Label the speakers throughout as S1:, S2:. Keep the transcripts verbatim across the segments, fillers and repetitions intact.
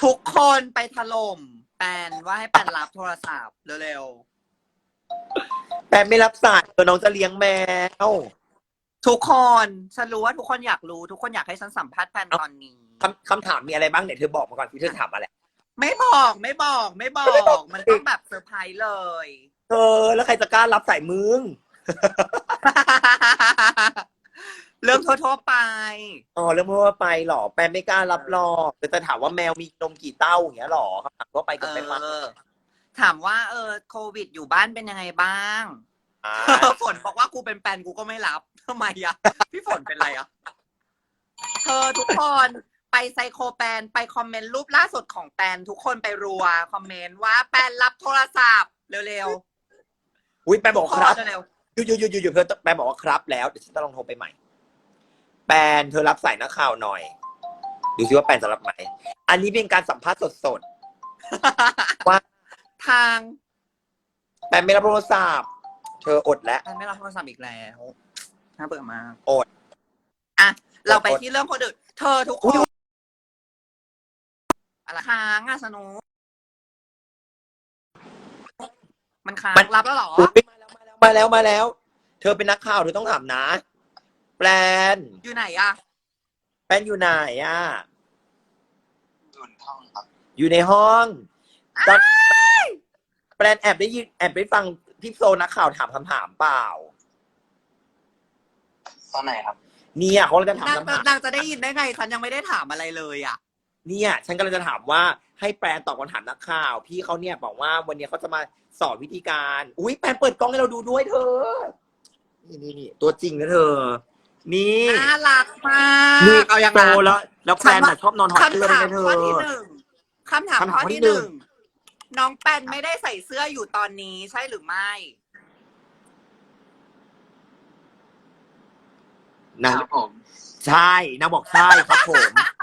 S1: ทุกคนไปถล่มแปนว่าให้แปนรับโทรศัพท์เร็ว
S2: แปนไม่รับสายเออน้องจะเลี้ยงแมว
S1: ๆทุกคนฉันรู้ว่าทุกคนอยากรู้ทุกคนอยากให้ฉันสัมภาษณ์แปนตอนนี้
S2: คำคำถามมีอะไรบ้างเนี่ยเธอบอกมาก่อนที่เธอถามอะไร
S1: ไม่บอกไม่บอกไม่บอกมันต้องแบบเซอร์ไพรส์เลย
S2: เธอแล้วใครจะกล้ารับสายมึง
S1: เรื่องทั่วๆไป
S2: อ๋อเรื่องทั่วไปหรอแปนไม่กล้ารับหรอกแต่จะถามว่าแมวมีนมกี่เต้าอย่างเงี้ยหรอคำถามทั่วไปกับแปนมา
S1: เออถามว่าเออโควิดอยู่บ้านเป็นยังไงบ้าง
S2: อ่า
S1: ฝนบอกว่ากูเป็นแฟนกูก็ไม่รับทำไมอะพี่ฝนเป็นไรอะเธอทุกคนไปไซโคแปนไปคอมเมนต์รูปล่าสุดของแปนทุกคนไปรัวคอมเมนต์ว่าแปนรับโทรศัพท์เร็ว
S2: อุ้ยแปน
S1: ๆ
S2: บอกครับ
S1: เร็ว
S2: หยุดหยุดหยุดหยุดหยุดเพื่อนแปนบอกว่าครับแล้วเดี๋ยวฉันจะลองโทรไปใหม่แปนเธอรับสายนักข่าวหน่อยดูซิว่าแปนจะรับไหมอันนี้เป็นการสัมภาษณ์สดๆว่า
S1: ทาง
S2: แปนไม่รับโทรศัพท์เธออดแล้ว
S1: แปนไม่รับโทรศัพท์อีกแล้วน่าเบื่อมาก
S2: อด
S1: อ่ะเราไปที่เรื่องคนอื่นเธอทุกคนอะไรค้างอะสนุกมันค้างรับแล้วเหรอ
S2: อุ๊ยมาแล้วมาแล้วมาแล้วมาแล้ว เธอเป็นนักข่าวเธอต้องถามนะแปน
S1: อยู่ไหนอะ
S2: แปนอยู่ไหนอ่ะ
S3: อยู่ในห้องครับ
S2: อยู่ในห้องตอนแปนแอบได้ยินแอบไปฟังพี่โซนักข่าวถามคำถามเปล่า
S3: ตอนไหนครับ
S2: เนี่ยเขาจะถาม
S1: นาง
S2: คำถาม
S1: นางจะได้ยินได้ไงฉันยังไม่ได้ถามอะไรเลยอะ
S2: เนี่ยฉันกำลังจะถามว่าให้แปนตอบคำถามนักข่าว พี่เขาเนี่ยบอกว่าวันนี้เขาจะมาสอนวิธีการ อุ้ยแปนเปิดกล้องให้เราดูด้วยเธอ นี่นี่นี่ตัวจริงนะเธอ นี่
S1: น่ารักมาก
S2: นี่
S1: เอาอย่าง
S2: โต
S1: นั้น
S2: แล้ว แล้วแปนน่ะชอบนอนถอดเสื้อ
S1: คำถาม
S2: เลยนะเธ
S1: ข้อ
S2: อ
S1: ที่หนึ่งคำถาม
S2: คำถาม
S1: ข้อ
S2: ข้อที่
S1: ที่
S2: ห
S1: ห
S2: นึ่
S1: นึ่
S2: ง
S1: งน้องแปนไม่ได้ใส่เสื้ออยู่ตอนนี้ใช่หรือไม่
S2: นาง
S3: ครับผม
S2: ใช่นางบอกใช่ครับผม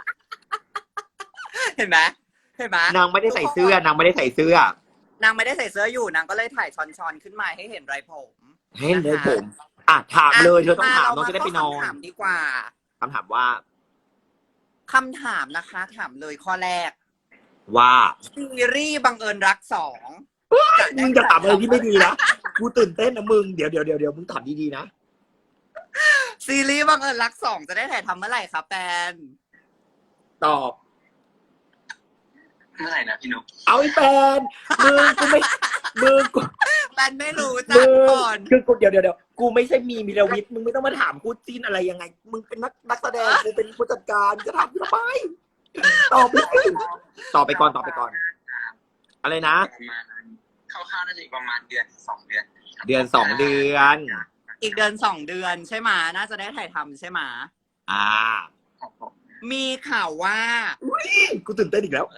S1: เห็นไหมเห็นไหม
S2: นางไม่ได้ใส่เสื้อนางไม่ได้ใส่เสื้อ
S1: นางไม่ได้ใส่เสื้ออยู่นางก็เลยถ่ายช้อนๆขึ้นมาให้เห็นไรผม
S2: ให้เลยผม อ่ะถามเลยเธอต้องถามน้องจะได้ไปนอน
S1: คำถามดีกว่า
S2: คำถามว่า
S1: คำถามนะคะ ถามเลยข้อแรก
S2: ว่า
S1: ซีรีส์บังเอิญรักสอง
S2: มึงจะถามอะไรที่ไม่ดีนะกูตื่นเต้นนะมึงเดี๋ยวเดี๋ยวเดี๋ยวเดี๋ยวมึงถามดีๆนะ
S1: ซีรีส์บังเอิญรักสองจะได้ถ่ายทำเมื่อไหร่คะแฟน
S2: ตอบ
S3: เมื่อไหร่นะพี่นุ๊ก
S2: เอาไอ้แฟนมึงกูไม่มึงกู
S1: แฟนไม่รู้จั
S2: มึ
S1: ก
S2: ง
S1: ก่อน
S2: คือกูเดี๋ยวเดี๋ยวเดี๋ยวกูไม่ใช่มีมิรวิทย์มึงไม่ต้องมาถามกูจีนอะไรยังไง มึงเป็นนักนักแสดงกูเป็นผู้จัดการจะถามกูทำไมตอบเลยตอบไปก่อนตอบไปก่อน อะไรนะ
S3: ประมาณคร่าวๆน่าจะอีกประมาณเดือนสองเดือนครับ
S2: เดือนสองเดือน
S1: อีกเดือนสองเดือนใช่ไหมน่าจะได้ถ่ายทำใช่ไหม
S2: อ่า
S3: ครับผม
S1: มีข่าวว่า
S2: กูตื่นเต้นอีกแล้ว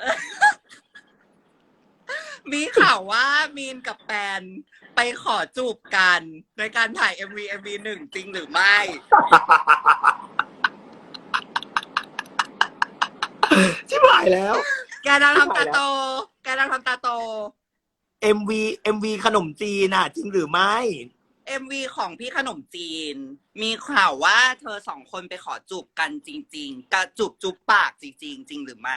S1: มีข่าวว่ามีนกับแปนไปขอจูบกันในการถ่าย เอ็ม วี เอ็ม วี หนึ่งจริงหรือไม่
S2: ชิบหายแล้ว
S1: แกดังทำตาโต แกดังทำตาโต
S2: เอ็ม วี เอ็ม วี ขนมจีนน่ะ จริงหรือไม่
S1: เอ็ม วี ของพี่ขนมจีน มีข่าวว่าเธอสองคนไปขอจูบกันจริงๆกะจูบจูบปากจริงๆ จริงหรือไม่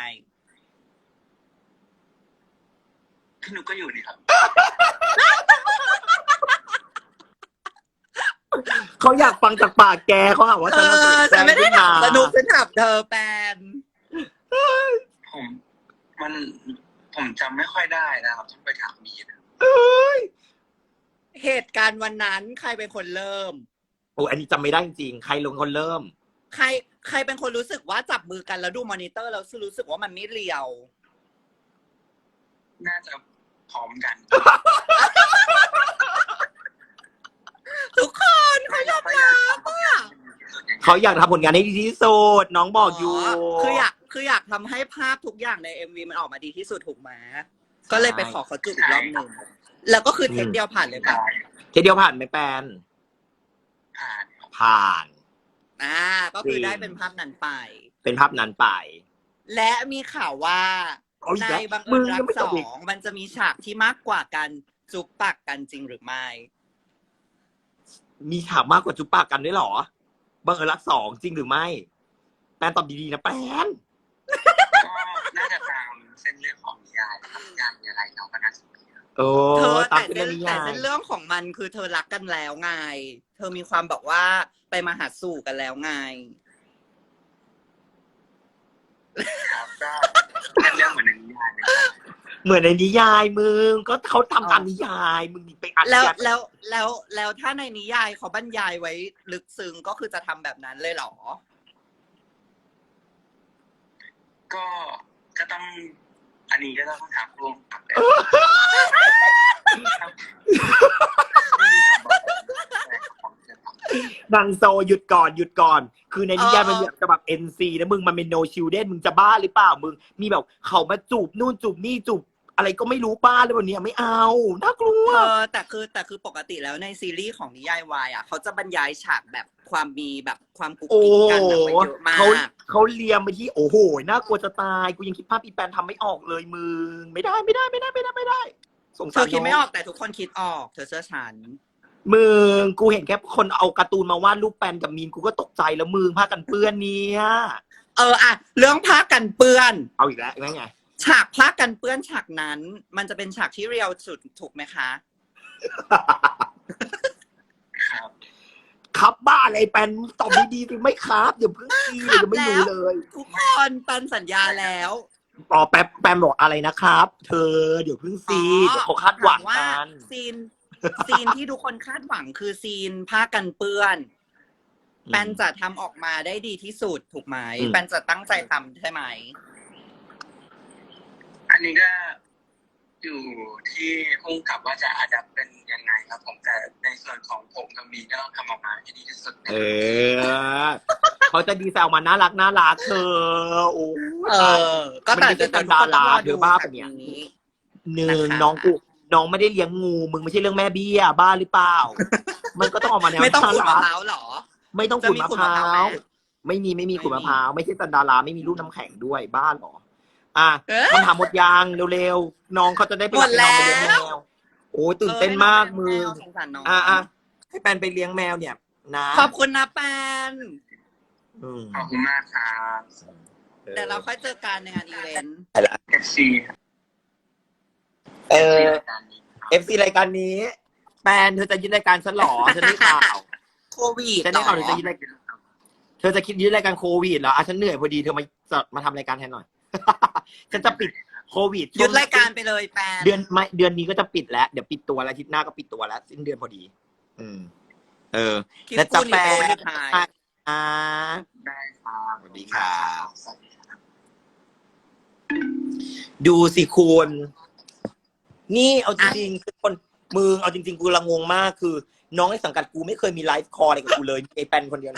S3: พี่นุ๊กก็อยู่นี่ครับ
S2: เขาอยากฟังจากปากแกเขาหาว่า
S1: เอ
S2: ฉัน
S1: อฉันไม่ได้ถามสนุกฉันถามเธอแปน
S3: ผมมันผมจำไม่ค่อยได้นะครับต้องไปถามมีนะ
S1: เหตุการณ์วันนั้นใครเป็นคนเริ่ม
S2: โอ้อันนี้จำไม่ได้จริงๆใครลงคนเริ่ม
S1: ใครใครเป็นคนรู้สึกว่าจับมือกันแล้วดูมอนิเตอร์แล้วรู้สึกว่ามันไม่เรียว
S3: น่าจะพร้อมกัน
S1: ทุกคนเขายอมรับอ่ะ
S2: เขาอยากทำผลงานให้ดีที่สุดน้องบอกอยู่
S1: คืออยากคืออยากทำให้ภาพทุกอย่างใน เอ็ม วี มันออกมาดีที่สุดถูกไหมก็เลยไปขอเขาจูบอีกรอบหนึ่งแล้วก็คือเทคเดียวผ่านเลยป่ะ
S2: แค่เดียวผ่านไหมแปน
S3: ผ่านครับ
S2: ผ่าน
S1: อ่าก็คือได้เป็นภาพนั้นไป
S2: เป็นภาพนั้นไป
S1: และมีข่าวว่า
S2: เอาอีก
S1: ใน
S2: แล้ว
S1: บัง
S2: มึ
S1: เอิ
S2: ง
S1: ญรั
S2: ยัง
S1: ก
S2: ไม่
S1: ส
S2: จบ
S1: อ
S2: อีก
S1: งมันจะมีฉากที่มากกว่ากันจูบปากกันจริงหรือไม่
S2: มีถามมากกว่าจุ๊บปากกันด้วยเหรอบังเอิญรักสองจริงหรือไม่ แปนตอบดีๆนะแปน
S3: ก็น่าจะตาม
S2: เอ
S1: เธ
S2: อ
S1: อ
S2: ตาม
S1: แต่
S2: เป็น
S1: เส้
S2: เรื่อน งนิ
S1: แต่
S2: ยาย
S1: เส้นเรื่องของมันคือเธอรักกันแล้วไง เธอมีความแบบว่าไปมาหาสู่กันแล้วไง
S3: ครับก็เป็นเรื่องเหมือนในนิยายเลยครับ
S2: เหมือนในนิยายมึงก็เขาทำตาม
S1: อ๋อ
S2: นิยายมึงไปอัด
S1: แล้ว
S2: ยัด
S1: แล้วแล้วแล้วถ้าในนิยายเขาบรรยายไว้ลึกซึ้งก็คือจะทำแบบนั้นเลยเหรอ
S3: ก็ก็ต้อง อันนี้ก็ต้องถามร่วมกับเลยครับ
S2: นางโซหยุดก่อนหยุดก่อน คือในนิยาย
S1: เออ
S2: มันแบบจะแบบ เอ็น ซี นะมึงมันเป็น no children มึงจะบ้าหรือเปล่ามึงมีแบบเขามาจูบนู่นจูบนี่จูบอะไรก็ไม่รู้บ้าเลยวันนี้ไม่เอาน่ากลัว
S1: เธอแต่คือแต่คือปกติแล้วในซีรีส์ของนิยายวายอ่ะเขาจะบรรยายฉากแบบความมีแบบความกุ๊ก
S2: โอ้
S1: กิ๊ก
S2: โห
S1: กันอะไว้เยอะมาก
S2: เขาเขาเลียมไปที่โอ้โหน่ากลัวจะตายกูยังคิดภาพอีแปนทำไม่ออกเลยมึงไม่ได้ไม่ได้ไม่ได้ไม่ได้ไม่ได้สง
S1: เธ
S2: สาร
S1: อคิดไม่
S2: น้
S1: อ
S2: อง
S1: อกแต่ทุกคนคิดออกเธอเชื่อฉัน
S2: มึงกูเห็นแค่คนเอาการ์ตูนมาวาดรูปแปนกับมีนกูก็ตกใจแล้วมึงผ้ากันเปื้อนเนี่ย
S1: เอออะเรื่องผ้ากันเปื้อน
S2: เอาอีกแล้วไง
S1: ฉากผ้ากันเปื้อนฉากนั้น มันจะเป็นฉากที่เรียวสุดถูกไหมคะ
S3: ครับ
S2: ครับบ้าอะไรแปนตอบดีๆสิไม่ครับเดี๋ยวเพิ่งซีเดี๋ยวจะไม่รู้เลย
S1: ทุกคนปันสัญญาแล้ว
S2: อ๋อแป๊บแปมบอกอะไรนะครับ เธอเดี๋ยวเพิ่งซีเดี๋ยวเขาคาดหวัง
S1: ถมว่า
S2: กัน
S1: ซีนซีนที่ทุกคนคาดหวังคือซีนผ้ากันเปื้อน
S2: อืม
S1: แปนจะทำออกมาได้ดีที่สุดถูกไหม
S2: อืม
S1: แปนจะตั้งใจทำใช่ไหม
S3: อันนี้ก็อยู่ที่พุ่งกับว่าจะอาจจะเป็นยังไงครับผมแต่ในส่วนของผมกับมีก็ต้องทำออกมาให้ดีที่สุด
S2: เออเขาจะดีไซน์ออกมาน่ารักน่ารักเธอโอ้
S1: เออ ก็แต่
S2: มันไม่ใช่
S1: แต่ทุกคนต้องรอ
S2: เดี๋
S1: ดู
S2: ยวบ้า
S1: แบ
S2: ปะ
S1: บ
S2: เนี่ย
S1: นี้
S2: หนึ่ง
S1: นะคะ
S2: น้องกูน้องไม่ได้เลี้ยงงูมึงไม่ใช่เรื่องแม่เบี้ยบ้าหรือเปล่า มันก็ต้องออกมาแนว
S1: ไม่ต้องขูดมะ
S2: น่า
S1: พ
S2: รัก
S1: ร้าวเหรอ
S2: ไม่ต้อง
S1: จะ
S2: ขูด
S1: มี
S2: มะ
S1: ขูด
S2: พ
S1: มะ
S2: ร้า
S1: พร้าวไหม
S2: วไม่มีไม่มี
S1: ไม่
S2: ขูดมะ
S1: มี
S2: พร้าวไม่ใช่จันดาราไม่มีลูกน้ำแข็งด้วยบ้าเหรออ่ะ
S1: เอ๊ะ
S2: คำถามหมดยางเร็วๆน้องเขาจะได้ไป
S1: หมด
S2: ไปนอนไปเลี้ยง
S1: แล้ว
S2: แมวโอ้ยตื่นเต้นมากมึง
S1: เออให้น้องเลี้ยงแมวสงสารน้อง
S2: อ่ะอ่ะให้แปนไปเลี้ยงแมวเนี่ย นะ
S1: ขอบคุณนะแปน
S2: อืม
S3: ขอบคุณมากครับ
S1: เดี๋ยวเราค่อยเจอกันในงานอีเวนต์
S2: ไปละ
S3: เอฟซี
S2: เออ
S3: รายการนี้
S2: เอฟซีรายการนี้ แปนเธอจะยึดรายการฉันเหรอฉันได้ข่าว
S1: โควิด
S2: ฉันได้ข่าวเธอจะยึดรายการเธอจะคิดยึดรายการโควิดเหรออ่ะฉันเหนื่อยพอดีเธอมาจะมาทำรายการแทนหน่อย ฉันจะปิดโควิด
S1: หยุดรายการไปเลยแปน
S2: เดือนไม่เดือนนี้ก็จะปิดแล้วเดี๋ยวปิดตัวแล้วอาทิตย์หน้าก็ปิดตัวแล้วสิ้นเดือนพอดี อืม เออ
S1: คิด
S2: แล้วจะ
S1: กูนี่
S2: แปล
S1: เป็นคนถ่าย
S2: อ่า
S3: ได้ครับ
S2: สวัสดีครับ
S3: สวัสดีครับ
S2: ดูสิคุณนี่เอาจริงๆคือคนมึงเอาจริงๆกูละงงมากคือ น้องในสังกัดกูไม่เคยมีไลฟ์คอร์อะไรกับกูเลยมีไอ้แปนคนเดียวนะ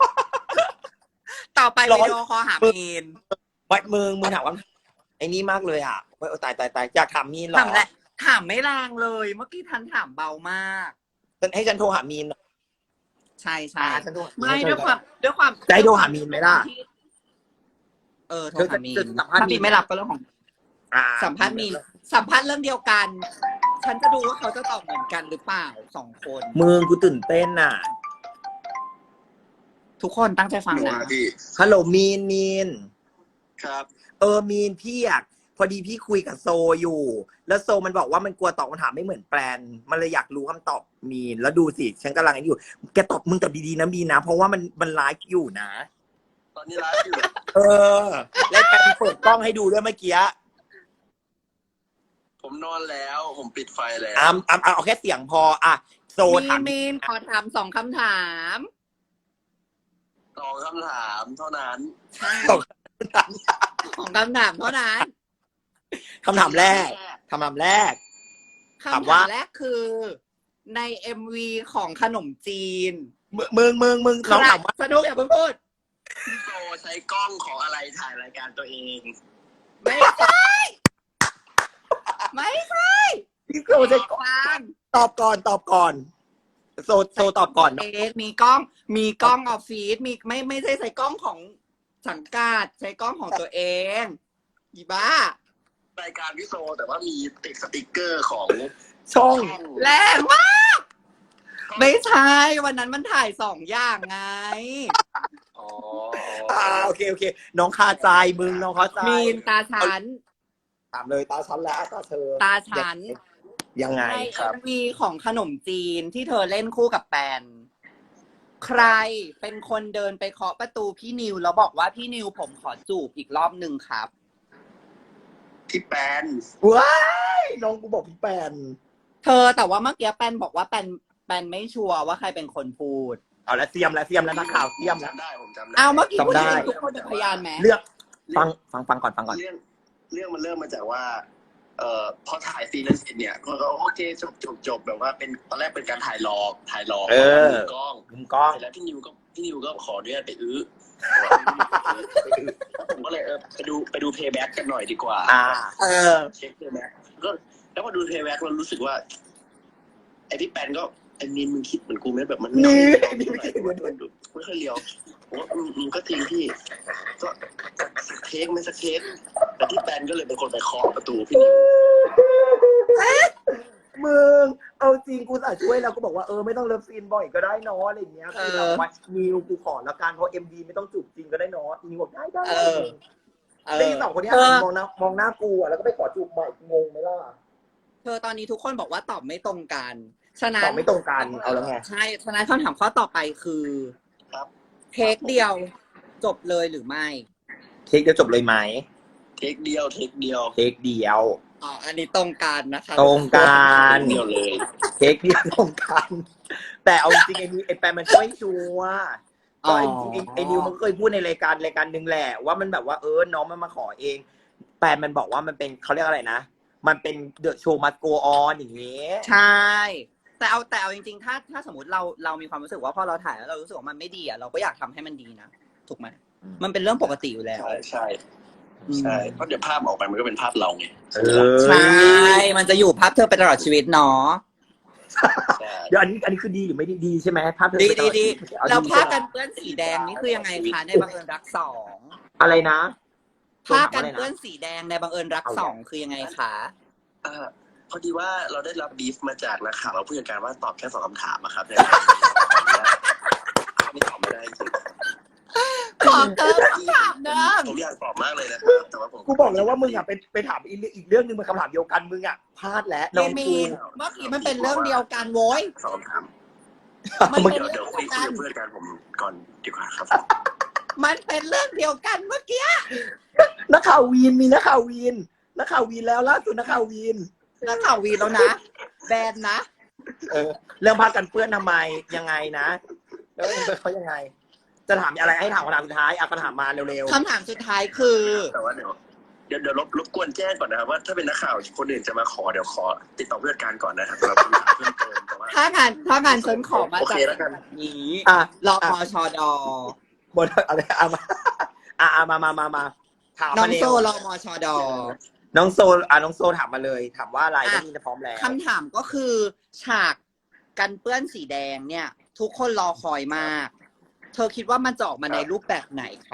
S1: ต่อไป
S2: ร้อย
S1: วิดีโอคอลหามีน
S2: วัดมึงมึงถามว่าไอ้นี่มากเลยอ่ะโอ้ยตายตายตายอยากถามมีนเหรอ
S1: ถามแหละถามไม่แรงเลย เมื่อกี้ทันถามเบามาก
S2: ฉันให้ฉันโทรหามีนหน่อย
S1: ใช่ใช่
S2: อ่าฉันโทรหา
S1: ไม่
S2: ฉันโทร
S1: ด้วยความด้วยความ
S2: จะให้โทรหามีนไหมล่ะ
S1: เออโทร
S2: เธอ
S1: หา
S2: จะ
S1: มีน
S2: จะสัมภาษณ์
S1: ถ้า
S2: มี
S1: มี
S2: น
S1: นไม่รับก็เรื่องของ
S2: อ่า
S1: สัมภาษณ์มีนสัมภาษณ์เรื่องเดียวกัน ฉันจะดูว่าเขาจะตอบเหมือนกันหรือเปล่าสองคน
S2: มึงกูตื่นเต้นอ่ะ
S1: ทุกคนตั้งใจฟังนะ
S3: พี่
S2: ฮัลโหลมีนมีน
S3: ครับ
S2: เออมีนพี่อยากพอดีพี่คุยกับโซอยู่ แล้วโซมันบอกว่ามันกลัวตอบคำถามไม่เหมือนแปลนมันเลยอยากรู้คำตอบมีนแล้วดูสิฉันกำลังอยู่แกตอบมึงตอบดีๆนะมีนนะเพราะว่ามันมันไลฟ์อยู่นะ
S3: ตอนนี้ไลฟ์อยู่
S2: เออแล้วแปลนเปิดกล้องให้ดูด้วยเมื่อกี้
S3: ผมนอนแล้ว ผมปิดไฟแล้ว
S2: อ่ะอ่ะเอาแค่เสียงพออ่ะโซ
S1: มี
S2: ถาม
S1: มีนขอถามสองคำถาม
S3: สองคำถามเท่านั้น
S1: ใช่
S2: สองคำถาม
S1: สองคำถามเท่านั้น
S2: คำถามแรกคำถามแรก
S1: คำ
S2: ถาม
S1: ถา
S2: ว่า
S1: มแรกคือ ในเอ็มวีของขนมจีน
S2: มึงมึงมึงมึงน้องถามว่า
S1: สนุกอย่าเพิ่งพูด
S3: พี่โตใช้กล้องของอะไรถ่ายรายการตัวเอง
S1: ไม่ใช่ไม่ใช่
S2: พี่โซจะ
S1: ฟัง
S2: ตอบก่อนตอบก่อนโซโซตอบก่อน
S1: เองมีกล้องมีกล้องออฟฟิศมีไม่ไม่ใช่ใช้กล้องของสังกัดใช้กล้องของตัวเองอีบ้าร
S3: ายการพี่โซแต่ว่ามีติดสติกเกอร์ของ
S2: ช่อง
S1: แรงมากไม่ใช่วันนั้นมันถ่ายสองอย่างไง
S3: อ๋อ
S2: อ่าโอเคโอเค น้องคาใจมึงน้องคาใจ
S1: มีนตาฉัน
S2: ถามเลยตาฉันแล้วตาเธอ
S1: ตาฉัน
S2: ยังไง
S1: ใน
S2: ครั
S1: เอ็
S2: บ
S1: มวีของขนมจีนที่เธอเล่นคู่กับแปนใครเป็นคนเดินไปเคาะประตูพี่นิวแล้วบอกว่าพี่นิวผมขอจูบอีกรอบหนึ่งครับ
S4: พี่แปน
S2: ว้ายน้องกูบอกพี่แปน
S1: เธอแต่ว่าเมื่อกี้แปนบอกว่าแปนแปนไม่ชัวร์ว่าใครเป็นคนพูด
S2: เอาละเสียมแล้วเสียมแล้วนักข่าวเสียมแล้ว
S4: จำได้ผมจำได้
S1: เอาเมื่อกี้พูด
S2: จำได้
S1: เองทุกคนเป็นพยานไหม
S2: เลือกฟังฟังฟังก่อนฟังก่อน
S4: เรื่องเรื่องมันเริ่มมาจากว่า เอ่อพอถ่ายซีนนั้นเสร็จเนี่ยก็ก็โอเคจบจบจบแบบว่าเป็นตอนแรกเป็นการถ่ายหลอกถ่ายหลอก
S2: เออ
S4: มุมกล้อง
S2: มุมกล้อง
S4: เสร็จแล้วพี่นิวก็พี่นิวก็ขออนุญาตไปอื้อแล้วผมก็เลยเออไปดูไปดูเพย์แบ็กกันหน่อยดีกว่า
S2: อ่า เออ
S4: เช็คเพย์แบ็กก็แล้วพอดูเพย์แบ็กเรารู้สึกว่าไอพี่แปนก็ไอนินมึงคิดเหมือนกูไหมแบบมัน
S2: นี่
S4: ไม่ค่อยเลี้ยวไม่ค่อยเลี้ยวผมว่าอืมอืมก็จริงพี่ ก็สักเค้กไม่สักเค้กแต่พี่แปนก็เลยเป็นคนไปเคาะประตูพี่นิว
S2: มึงเอาจริงกูสาช่วยแล้วก็บอกว่าเออไม่ต้องเลิฟซีนบ่อยก็ได้เนอะอะไรอย่างเงี้ยคือแบบว่านิวกูขอแล้วกันเพราะเอ็มดีไม่ต้องจูบจริงก็ได้เนอะนิวบอกได้ได้
S1: เออ เอ
S2: ได้
S1: อ
S2: สองคนเนี้ย
S1: เธอ
S2: มองหน้ามองหน้ากูอะแล้วก็ไปขอจูบใหม่งงไหมล่ะ
S1: เธอตอนนี้ทุกคนบอกว่าตอบไม่ตรงกันฉะนั้
S2: ต
S1: น
S2: อบไม่ตรงกันเอาแล้วไง
S1: ใช่ฉะนั้นคำถามข้อต่อไปคือ
S4: ครับ
S1: เทคเดียวจบเลยหรือไม่
S2: เทคเดียวจบเลยไหม
S4: เทคเดียวเทคเดียว
S2: เทคเดียว
S1: อ๋ออันนี้ตรงกันนะคะ
S2: ตรงกัน
S4: เดียวเลย
S2: เทคเดียวตรงกัน แต่เอาจริงๆไอ้นี่ไอ้แปมมันช่วยชัวร์ก็ไอ้จริงๆไอ้นิวมันก็เคยพูดในรายการรายการหนึ่งแหละว่ามันแบบว่าเออน้องมันมาขอเอง แปมมันบอกว่ามันเป็นเขาเรียกอะไรนะ มันเป็นเดอะโชว์มัสโกออนอย่างเงี้ย
S1: ใช่ แต่เอาแต่เอาจริงๆ ถ้าถ้าสมมติเราเรามีความรู้สึกว่าพอเราถ่ายแล้วเรารู้สึกว่ามันไม่ดีอ่ะเราก็อยากทำให้มันดีนะถูกไหมมันเป็นเรื่องปกติอยู่แล้ว
S4: ใช่ใช่ใช่เพราะเดี๋ยวภาพออกไปมันก็เป็นภาพเราไง
S2: เออ
S1: ใช่ มันจะอยู่ภาพเธอไปตลอดชีวิตเนาะ
S4: ใช่
S2: เดี๋ยวอันนี้อันนี้คือดีหรือไม่ดีดีใช่ไหมภาพเธอ
S1: ดี
S2: ไปต
S1: ดี
S2: ลอ
S1: ดี
S2: ชีวิตเอา
S1: แล้ว
S2: ดี
S1: ผ้า
S2: ใช่ไหม
S1: กันเปื้อนสีแดงนี่คือยังไงคะในบังเอิญรักสอง
S2: อะไรนะ
S1: ผ้ากันเปื้อนสีแดงในบังเอิญรักสองคือยังไงคะ
S4: อ่าพอดีว่าเราได้รับบีฟมาจากนักข่าวเราผู้จัดการว่าตอบแค่สองคำถามอะครับเนี่ยไม่ตอบไม่ได้จริง
S1: ขอเกินคำถามเดิม
S4: ผมอยากตอบมากเลยนะครับแต่ว่าผม
S2: กูบอกแล้วว่ามึงอ่ะไปไปถามอีกอีกเรื่องหนึ่งมันคำถามเดียวกันมึงอ่ะพลาดแล้วน้
S1: มี
S2: อง
S1: มี
S2: กู
S1: เมื่อกี้มันเป็นเรื่องเดียวกันโว้ย
S4: สองคำถาม
S1: มัน
S2: มึง
S1: เป็น
S4: เดี๋ยว
S1: เรื่
S4: เดี๋
S1: อ
S4: ยว
S1: ง
S4: คุ
S1: เดี
S4: ย
S1: ยวกัน
S4: คุยกับเพื่อนกันผมก่อนดีกว่าครับ
S1: มันเป็นเรื่องเดียวกันเมื่อกี้
S2: นักข่าววีนมีนักข่าววีนนักข่าววีนแล้วล่าสุดนักข่าววีน
S1: นักข่าววีแล้วนะแบนนะ
S2: เออเรื่องพากันเปื้อนทำไมยังไงนะแล้วเองเป็นเขายังไง จะถามอะไรให้ถามคำถามสุดท้ายเอาคำถามมาเร็ว
S1: คำถามสุดท้ายคือ
S4: แต่ว่าเดี๋ยวเดี๋ยวเดี๋ยวรบรบกวนแจ้งก่อนนะครับว่าถ้าเป็นนักข่าวคนอื่นจะมาขอเดี๋ยวขอติดต่อผู้จัดการก่อนนะครับเราคำถามเพิ่มเติมแต่ว่า
S1: ถ้างานถ้างานฉันขอมา
S4: โอ
S1: จาก
S4: เคแล้วกัน
S1: นี้
S2: ๆอ่ะ
S1: รอมชด
S2: บนอะไรอ่ะมาอ่ะอ่ะมามามามาถาม
S1: น้อ
S2: มาง เร็
S1: โซ
S2: ว
S1: รอมชด
S2: น้องโซอ่ะน้องโซถามมาเลย ถามว่าอะไรก็มีจะพร้อมแล้ว
S1: คำถามก็คือ ฉากกันเปื้อนสีแดงเนี่ย ทุกคนรอคอยมาก เธอคิดว่ามันจะออกมาในรูปแบบไหนคะ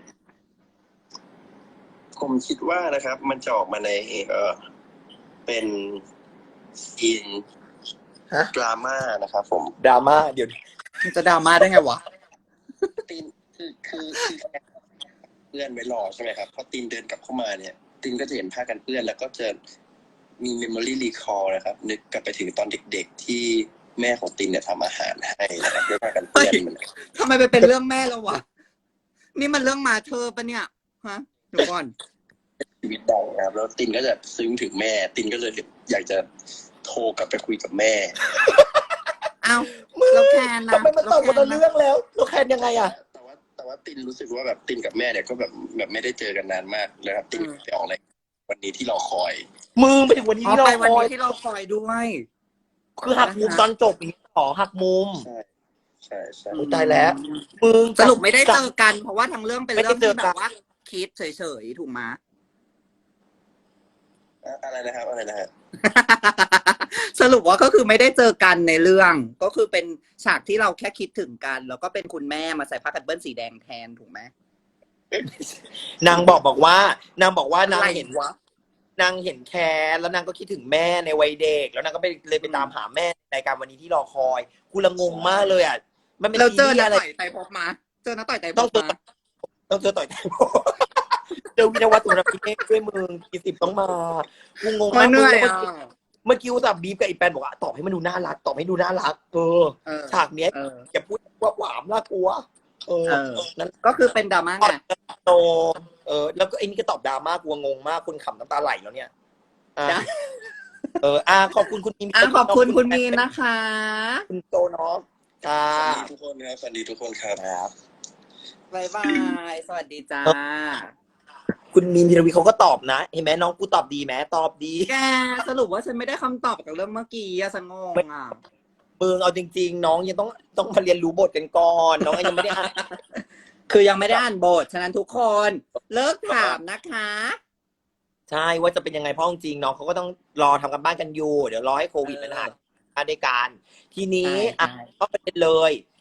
S4: ผมคิดว่านะครับ มันจะออกมาในเออเป็นซีน
S2: ฮะ
S4: ดราม่านะครับผม
S2: ดราม่าเดี๋ยว
S1: มันจะดราม่าได้ไงวะ
S4: ตีนคือคือคือเพื่อนไว้รอใช่ไหมครับพอตีนเดินกลับเข้ามาเนี่ยตีนก็จะเห็นผ้ากันเปื้อนแล้วก็จะมี memory recall นะครับ นึกกลับไปถึงตอนเด็กๆที่แม่ของตีนเนี่ยทำอาหารให้นะครับด้วยผ้ากันเปื้อนมัน
S1: ทำไมไปเป็นเรื่องแม่แล้ววะ นี่มันเรื่องมาเธอปะเนี่ย ฮะเดี๋ยวก่อน
S4: ชีวิตดังนะครับแล้วตินก็จะซึ้งถึงแม่ ตินก็เลยอยากจะโทรกลับไปคุยกับแม่
S1: อ้าว
S2: มึง
S1: เราแคนนะ
S2: ทำไมมันตอบคนละเรื่องแล้วเราแคนยังไงอ่ะ
S4: แต่ว่าแต่ว่าตินรู้สึกว่าแบบตินกับแม่เนี่ยก็แบบแบบไม่ได้เจอกันนานมากเลยครับตินไปออกอะไรวันนี้ที่เราคอย
S2: มึงไปถึงวันนี้
S1: อ๋อ
S2: ที่เรา
S1: ไปวัน
S2: คอย
S1: นี้ที่เราคอยด้วย
S2: คือหักมุมตอนจบอย่างนี้ขอหักมุม
S4: ใช่ใช่ใช่
S2: อุ๊ยตายแล้ว มึง
S1: สรุปไม่ได้เจอกัน เพราะว่าทั้งเรื่องเป็น
S2: ไม่ได้
S1: เรื่อง
S2: เจ
S1: ที่
S2: อกัน
S1: แบบว่าคิดเฉยๆ ถูกไหม
S4: อะอะไรนะครับอะไรนะฮะ
S1: สรุปว่าก็คือไม่ได้เจอกันในเรื่อง ก็คือเป็นฉากที่เราแค่คิดถึงกัน แล้วก็เป็นคุณแม่มาใส่ผ้ากันเบิ้ลสีแดงแทนถูกไหม
S2: นางบอกบอกว่านางบอกว่านาง
S1: อะไร
S2: เห็น
S1: วะ
S2: นางเห็นแคร์แล้วนางก็คิดถึงแม่ในวัยเด็ก แล้วนางก็ไปเลยไปตามหาแม่ในรายการวันนี้ที่รอคอยกูละงงมากเลยอ่ะมันเป็น
S1: เราเจอ
S2: ซีรี
S1: นะ
S2: ส์อะไร
S1: ต่อยไตรภพมา เจอนะต่อยไตรภ
S2: ต้อง
S1: พ
S2: เจอ
S1: มา
S2: ต้องเจอต่อยแทนเจอวินวัฒน์สุรพิเนศด้วยมึงกี่สิบต้องมากูงง
S1: มั
S2: มาน ก
S1: เหนื่อย
S2: มึง
S1: อ่ะ
S2: เมื่อกี้อุตส่าห์บีบกับไอ้แปนบอกว่าตอบให้มันดูน่ารักตอบให้ดูน่ารักเออ
S1: เออ
S2: ฉากเนี้ย
S1: เออ
S2: อย่าพูดว่าหวามน่ากลัวเออ
S1: เออ
S2: นั่น
S1: ก็คือเป็นดราม่าไง
S2: โตเออแล้วก็ไอ้นี่ก็ตอบดราม่ากลัวงงมากคุณขำน้ำตาไหลแล้วเนี่ยอ่ะ
S1: จ้ะ
S2: เอออ่ะขอบคุณคุณมีน
S1: อ่ะขอบคุณคุณมีนนะคะ
S2: คุณโตเนาะค่ะ
S4: สวัสดีทุกคนครับสวัสดีทุกคนครับ
S2: ครับ
S1: บายบาย สวัสดีจ้า
S2: คุณมีนธีรวีเขาก็ตอบนะเห็นไหมน้องกูตอบดีไหมตอบดี
S1: แกสรุปว่าฉันไม่ได้คำตอบจากเรื่องเมื่อกี้อะสงงอ่ะ
S2: มึงเอาจริง ๆ น้องยังต้องต้องมาเรียนรู้บทกันก่อนน้องยังไม่ได้อ่าน
S1: คือยังไม่ได้อ่านบท ฉะนั้นทุกคนเลิกถามนะคะ
S2: ใช่ว่าจะเป็นยังไงเพราะจริงๆน้องเขาก็ต้องรอทำกันบ้านกันอยู่เดี๋ยวรอให้โควิดมันหายมาด้วยกันทีนี้
S1: ใช่
S2: อ่ะ
S1: ใช่
S2: ก็ประเด็นเลย